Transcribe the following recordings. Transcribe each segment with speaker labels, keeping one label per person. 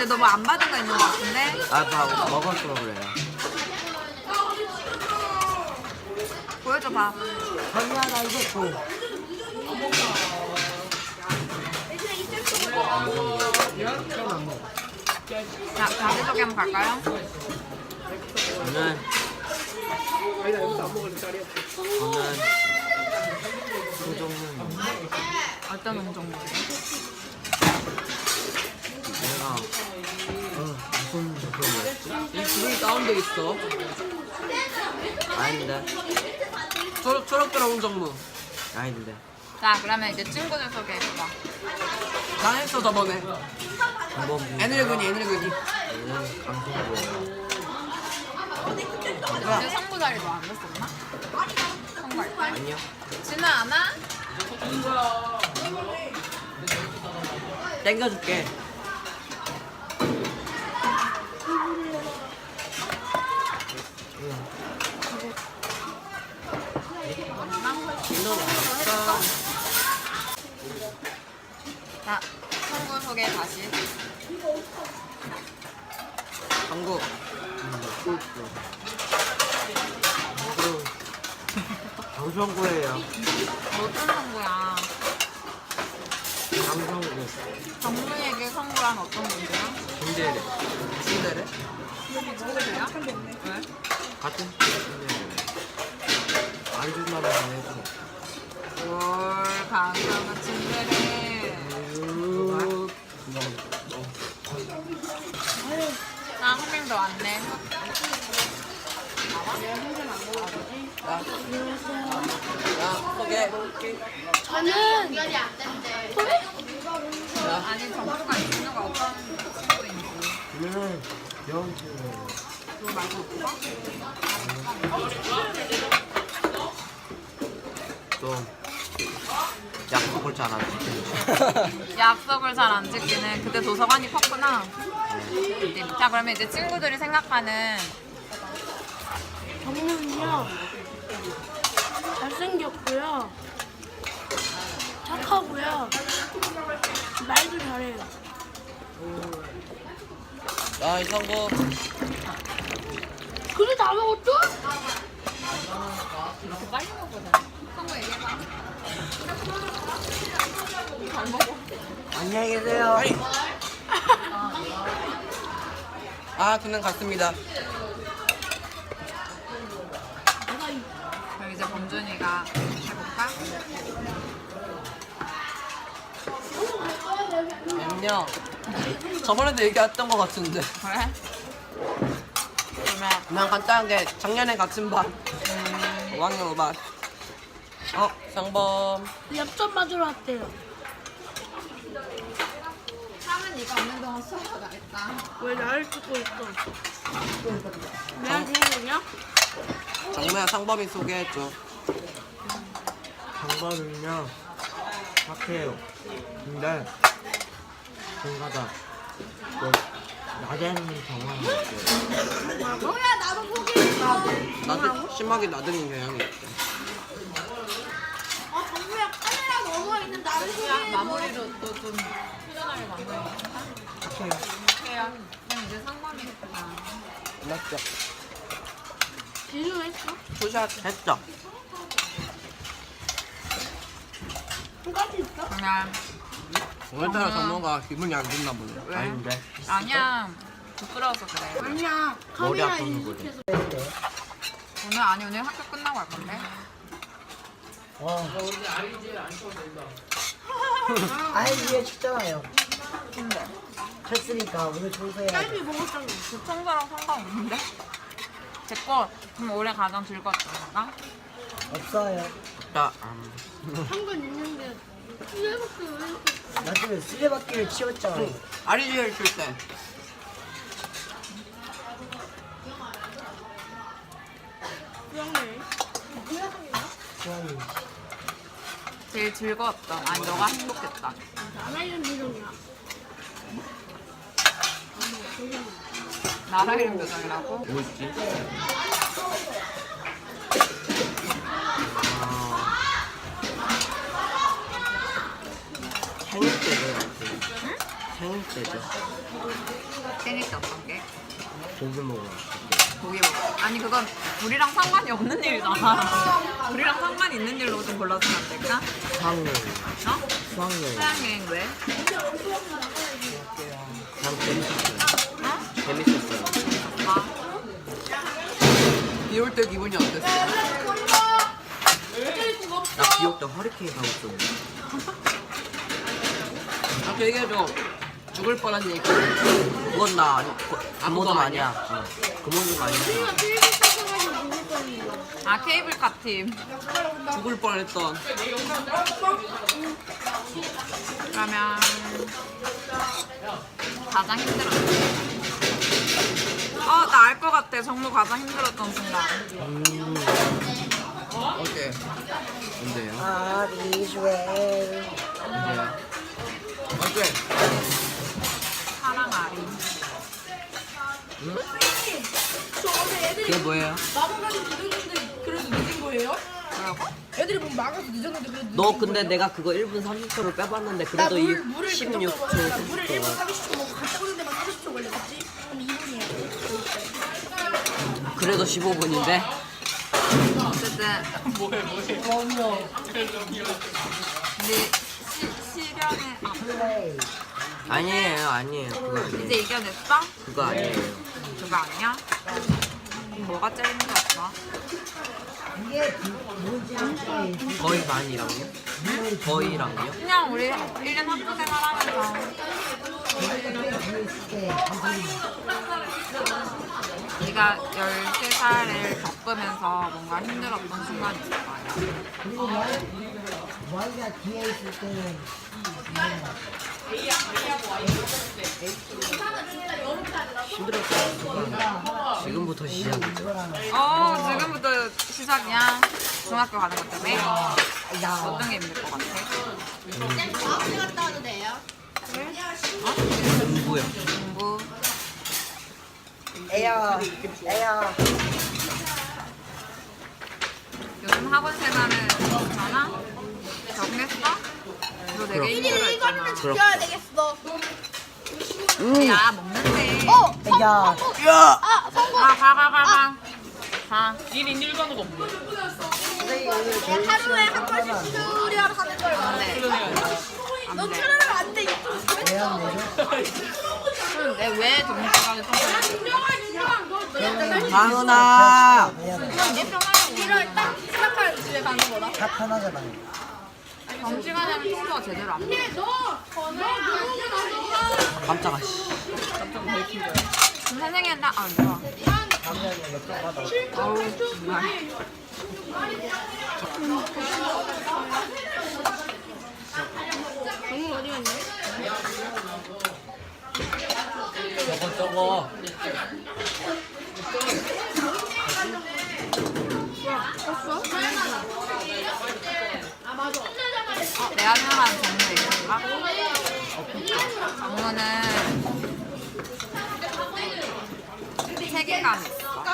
Speaker 1: 근데 너 뭐 안 받은 거 있는 거 같은데?
Speaker 2: 아, 다 먹었어 그래요.
Speaker 1: 보여줘 봐.
Speaker 2: 아니야, 나 이거 줘.
Speaker 1: 자, 자기소개 한번 갈까요?
Speaker 2: 저는 소정문.
Speaker 1: 어떤 운동이에요?
Speaker 2: 내가 무슨 소정이었지?
Speaker 3: 이 줄이 다운돼 있어.
Speaker 2: 아닌데.
Speaker 3: 초록초록 홍정무.
Speaker 2: 아닌데.
Speaker 1: 자, 그러면 이제 친구들 소개해봐.
Speaker 3: 난 했어 저번에.
Speaker 2: 한번
Speaker 3: 애늙은이.
Speaker 2: 얘는 강성구예요.
Speaker 1: 근데 성부 자리도 안 됐었나? 성부할 때?
Speaker 2: 아니요.
Speaker 1: 진아 안 와?
Speaker 3: 땡겨줄게.
Speaker 1: 자, 성부 소개 다시.
Speaker 3: 한국.
Speaker 2: 강성구예요.
Speaker 1: 어떤 성부야?
Speaker 2: 강성구.
Speaker 1: 정문에게 성부란 어떤 건데요?
Speaker 2: 김대래.
Speaker 3: 침대래.
Speaker 1: 친구들이야? 왜?
Speaker 2: 같은 김대래. 안주만 해줘.
Speaker 1: 뭘 강경한 친구들이. 아, 한 명 더 왔네.
Speaker 3: 야, 소개.
Speaker 4: 저는
Speaker 1: 아니, 정부가 이 친구가 어떤 친구인지.
Speaker 2: 얘는 영수.
Speaker 1: 그거 말고 오빠?
Speaker 2: 좀 약속을 잘 안 지키는.
Speaker 1: 약속을 잘 안 지키는 그때 도서관이 컸구나. 자, 그러면 이제 친구들이 생각하는
Speaker 4: 정문은요 잘생겼고요 착하고요 말도 잘해요.
Speaker 3: 야, 이성구.
Speaker 4: 그게 다 먹었죠?
Speaker 1: 이렇게 빨리 먹거든. 성구 얘기해봐. 잘 먹어.
Speaker 2: 안녕히 계세요.
Speaker 3: 아니. 아, 그냥 갔습니다.
Speaker 1: 그럼 이제 범준이가 해볼까?
Speaker 3: 안녕. 저번에도 얘기했던 것 같은데.
Speaker 1: 그래? 그러면
Speaker 3: 그냥 간단하게 작년에 같은 반. 5학년 5반. 상범.
Speaker 4: 엽전 맞으러 왔대요.
Speaker 1: 사은 네가 없는 동안 수업도 나겠다.
Speaker 4: 왜 나를 찍고 있어? 내가 중요하냐?
Speaker 3: 정모야 상범이 소개해줘.
Speaker 2: 방법은요 착해요. 근데 뭔가다 또 낮에는 정말
Speaker 4: 뭐야 나도 포기했어.
Speaker 3: 나도 심하게 나들인 경향이 있대.
Speaker 4: 아 정부야 카메라 넘어 있는 나를
Speaker 1: 그냥
Speaker 4: 포기했어.
Speaker 1: 마무리로 또 좀 표현하게 만들어야겠다.
Speaker 3: 착해요.
Speaker 1: 해요. 그럼 이제 상범이겠구나.
Speaker 3: 맞죠?
Speaker 4: 비유했어?
Speaker 3: 투샷.
Speaker 2: 했죠.
Speaker 4: 똑같이 있어?
Speaker 1: 그러면
Speaker 3: 오늘따라 정모가 기분이 안 좋나 보네.
Speaker 1: 왜?
Speaker 2: 아닌데
Speaker 1: 아니야. 부끄러워서 그래.
Speaker 4: 아니야
Speaker 2: 머리
Speaker 4: 카메라
Speaker 2: 아프는 거지.
Speaker 4: 인식해서.
Speaker 1: 오늘 아니 오늘 학교 끝나고 할 건데.
Speaker 5: 아이디에 춥잖아요.
Speaker 1: 근데
Speaker 5: 쳤으니까 오늘 청소해야 돼.
Speaker 4: 딸기 먹었잖아.
Speaker 1: 그 청소랑 상관없는데? 제거 그럼 올해 가장 즐거웠던 건가?
Speaker 5: 없어요.
Speaker 2: 자,
Speaker 4: 한건 있는데 왜 이렇게 왜 이렇게
Speaker 5: 나중에 쓰레받기를 치웠잖아요.
Speaker 3: 아리지엘 칠 때.
Speaker 4: 그러네.
Speaker 5: 좋아요.
Speaker 1: 제일 즐거웠던 아니 너가 행복했던
Speaker 4: 나라 이름 이름이야.
Speaker 1: 나라 이름 표정이라고?
Speaker 2: 뭐 있지? 생일 때 그래. 생일 때죠.
Speaker 1: 생일 때 어떤 게?
Speaker 2: 고기 먹어.
Speaker 1: 고기 먹어. 아니 그건 우리랑 상관이 없는 일이잖아. 우리랑 상관이 있는 일로 좀 골라주면 안 될까?
Speaker 2: 수학여행.
Speaker 1: 어?
Speaker 2: 수학여행.
Speaker 1: 수학여행 왜?
Speaker 2: 그냥 재밌었어요.
Speaker 1: 어?
Speaker 2: 재밌었어요.
Speaker 1: 아,
Speaker 3: 비 올 때 기분이 어땠어?
Speaker 2: 나 비올 때 허리케인 가고 있었는데.
Speaker 3: 아, 그 얘기해줘. 죽을 뻔한 얘기.
Speaker 2: 그건 나 아니,
Speaker 3: 아무도
Speaker 2: 아니야. 어. 그 모습 아니야.
Speaker 4: 테이블 닦아가지고 먹을 거예요.
Speaker 1: 아 케이블카 팀.
Speaker 3: 죽을 뻔했던.
Speaker 1: 그러면 가장 힘들었어. 나 알 것 같아. 정말 가장 힘들었던 순간.
Speaker 3: 어때?
Speaker 2: 뭔데요?
Speaker 5: 아리즈웰.
Speaker 2: 뭔데요?
Speaker 3: 어때?
Speaker 1: 사랑 아리.
Speaker 2: 그게 뭐예요?
Speaker 6: 마법까지 늦었는데 그래도 늦은 거예요?
Speaker 1: 뭐라고?
Speaker 6: 애들이 뭐 막아서 늦었는데 그래도
Speaker 2: 너 근데 내가 그거 1분 30초를 빼봤는데 그래도 이 16초,
Speaker 6: 물을 1분
Speaker 2: 30초.
Speaker 6: 30초 먹고 갔다 오는 데만 30초 걸렸지? 그럼 2분이야.
Speaker 2: 그래도 15분인데?
Speaker 1: 어쨌든 근데 시련에
Speaker 5: 플레이.
Speaker 2: 아니에요. 그거 아니에요.
Speaker 1: 이제 이겨냈어?
Speaker 2: 그거 아니에요.
Speaker 1: 그거 아니야? 그럼 뭐가 제일 힘들었어?
Speaker 5: 이게 문제인지.
Speaker 2: 거의 반이랑요? 거의랑요?
Speaker 1: 그냥 우리 1년 학교 생활하면서 네가 13살을 겪으면서 뭔가 힘들었던 순간이 있을 거 아니야?
Speaker 5: 그리고 머리가 뒤에 있을 때는
Speaker 2: 힘들었어요. 지금부터 시작이죠.
Speaker 1: 지금부터 시작이야? 중학교 가는 것 때문에? 어떤 게 힘들 것 같아?
Speaker 2: 공부요.
Speaker 1: 공부?
Speaker 5: 에어.
Speaker 1: 요즘 학원 생활은 괜찮아? 적응했어? 너 되게 힘들어했잖아.
Speaker 6: 지켜야 되겠어.
Speaker 1: 야 먹는데.
Speaker 5: 야.
Speaker 1: 가. 가.
Speaker 6: 하루에 한 번씩 수련 하는 걸 말해. 너
Speaker 1: 안 돼.
Speaker 6: 틀으면 안 돼. 유튜브.
Speaker 1: 그런데 왜 정신까지
Speaker 2: 다은아!
Speaker 6: 이럴 딱 시작할 집에 가는 거다.
Speaker 5: 다 편하잖아요.
Speaker 1: 정시간에는 청소가 제대로 안 돼.
Speaker 2: 깜짝아, 씨.
Speaker 1: 그럼 선생님한테 안 좋아. 아우 정말.
Speaker 2: 저거.
Speaker 1: 내가 생각하는 정무 있을까? 정무는 책임감이 있어.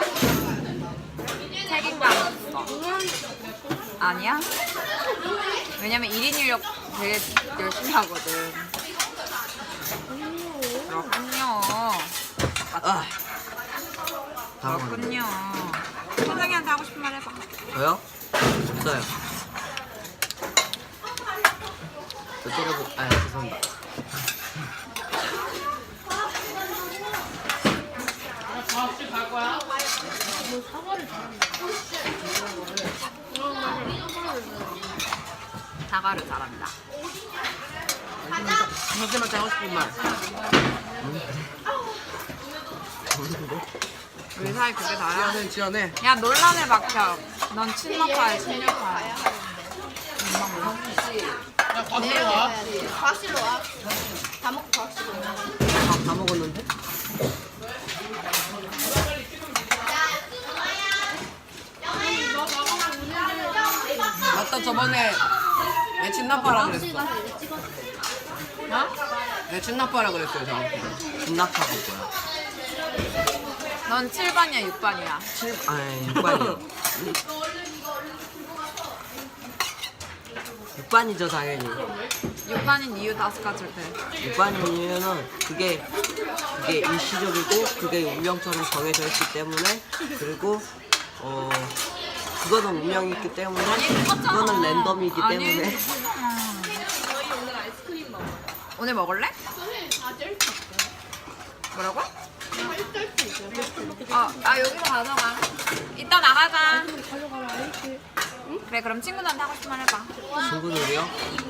Speaker 1: 책임감이 있어. 아니야? 왜냐면 1인 1력 되게 열심히 하거든. 그렇군요.
Speaker 2: 아. 다음은
Speaker 1: 그렇군요. 선생님한테 하고 싶은 말 해봐.
Speaker 2: 저요? 없어요. 저 죄송합니다.
Speaker 1: 사과를 잘한다.
Speaker 3: 선생님한테 하고 싶은 말.
Speaker 1: 우리 사이 그게 다야?
Speaker 3: 지연해.
Speaker 1: 야 논란을 막혀. 넌 친노파야 친일파야.
Speaker 6: 과실로 와. 다 먹고 과실로 와.
Speaker 2: 다 먹었는데?
Speaker 3: 맞다, 저번에 내 친나빠라 그랬어.
Speaker 1: 어?
Speaker 3: 내 친나빠라 그랬어요, 저한테.
Speaker 2: 김낙하가 뭐야?
Speaker 1: 넌 7반이야 6반이야.
Speaker 2: 6반이요. 육반이죠 당연히.
Speaker 1: 6반인 이유 5가지를 돼.
Speaker 2: 육반인 이유는 그게 일시적이고 그게 운명처럼 정해져 있기 때문에 그리고 그거는 운명이 있기 때문에 그거는 랜덤이기 때문에
Speaker 1: 오늘 먹을래? 뭐라고? 여기서 가져가. 이따 나가자. 그래, 그럼 친구들한테 하고 싶은 말 해봐.
Speaker 2: 친구들이요?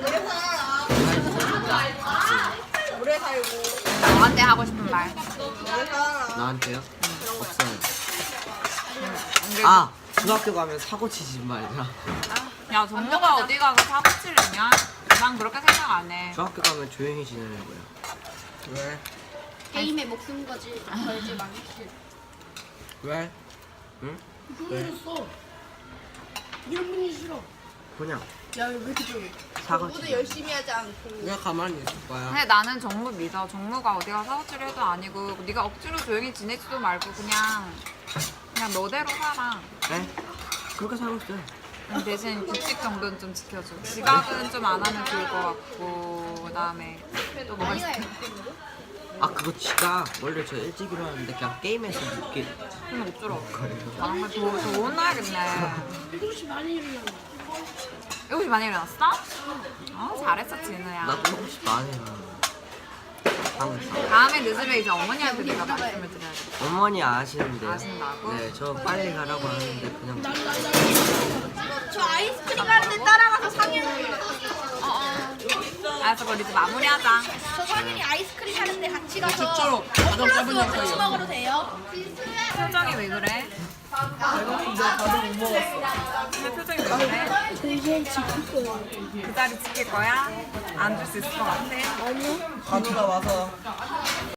Speaker 1: 너한테 하고 싶은 말.
Speaker 2: 나한테요? 없어요.
Speaker 1: 근데
Speaker 2: 아 중학교 가면 사고 치지 말자.
Speaker 1: 야, 정모가 어디 가서 사고 치려냐? 난 그렇게 생각 안 해.
Speaker 2: 중학교 가면 조용히 지내려고요. 왜?
Speaker 4: 게임에 목숨 거지 걸지 말기.
Speaker 2: 왜? 응?
Speaker 4: 모르겠어. 이런 분이 싫어.
Speaker 2: 그냥
Speaker 4: 야왜 이렇게 조용해?
Speaker 2: 사고
Speaker 4: 모두
Speaker 2: 치지.
Speaker 4: 열심히 하지 않고.
Speaker 2: 왜 가만히 있을 거야?
Speaker 1: 근데 나는 정모 믿어. 정모가 어디 가서 사고 치려 해도 아니고 네가 억지로 조용히 지내지도 말고 그냥 너대로 살아.
Speaker 2: 네? 그렇게 살고 있어요.
Speaker 1: 대신 규칙 정도는 좀 지켜줘. 지각은 좀 안 하면 좋을 것 같고 그다음에 또 뭐가 있어?
Speaker 2: 아 그거 지가 원래 저 일찍 일어났는데 그냥 게임에서 늦게
Speaker 1: 그럼 어쩌라고. 정말 더 혼나야겠네.
Speaker 4: 7시 많이 일어나.
Speaker 1: 7시 많이 일어났어? 잘했어 진우야.
Speaker 2: 나도 혹시 많이 일어나. 항상.
Speaker 1: 다음에 늦으면 이제 어머니한테 내가 말씀을 드려야겠다.
Speaker 2: 어머니 아시는데.
Speaker 1: 아신다고?
Speaker 2: 네, 저 빨리 가라고 하는데 그냥
Speaker 6: 저 아이스크림 하는데 따라가서 상현이
Speaker 1: 알았어, 그럼 이제 마무리하자.
Speaker 6: 저 상현이 아이스크림 하는데 같이 가서
Speaker 3: 진짜로 가장 짧은
Speaker 6: 같이
Speaker 3: 영상이야.
Speaker 6: 먹어도 돼요?
Speaker 1: 표정이 왜 그래? 근데 표정이 왜 그래?
Speaker 4: 동생 지킬 거야.
Speaker 1: 그 자리 지킬 거야? 안 줄 수 있을 것 같아?
Speaker 3: 간우가 와서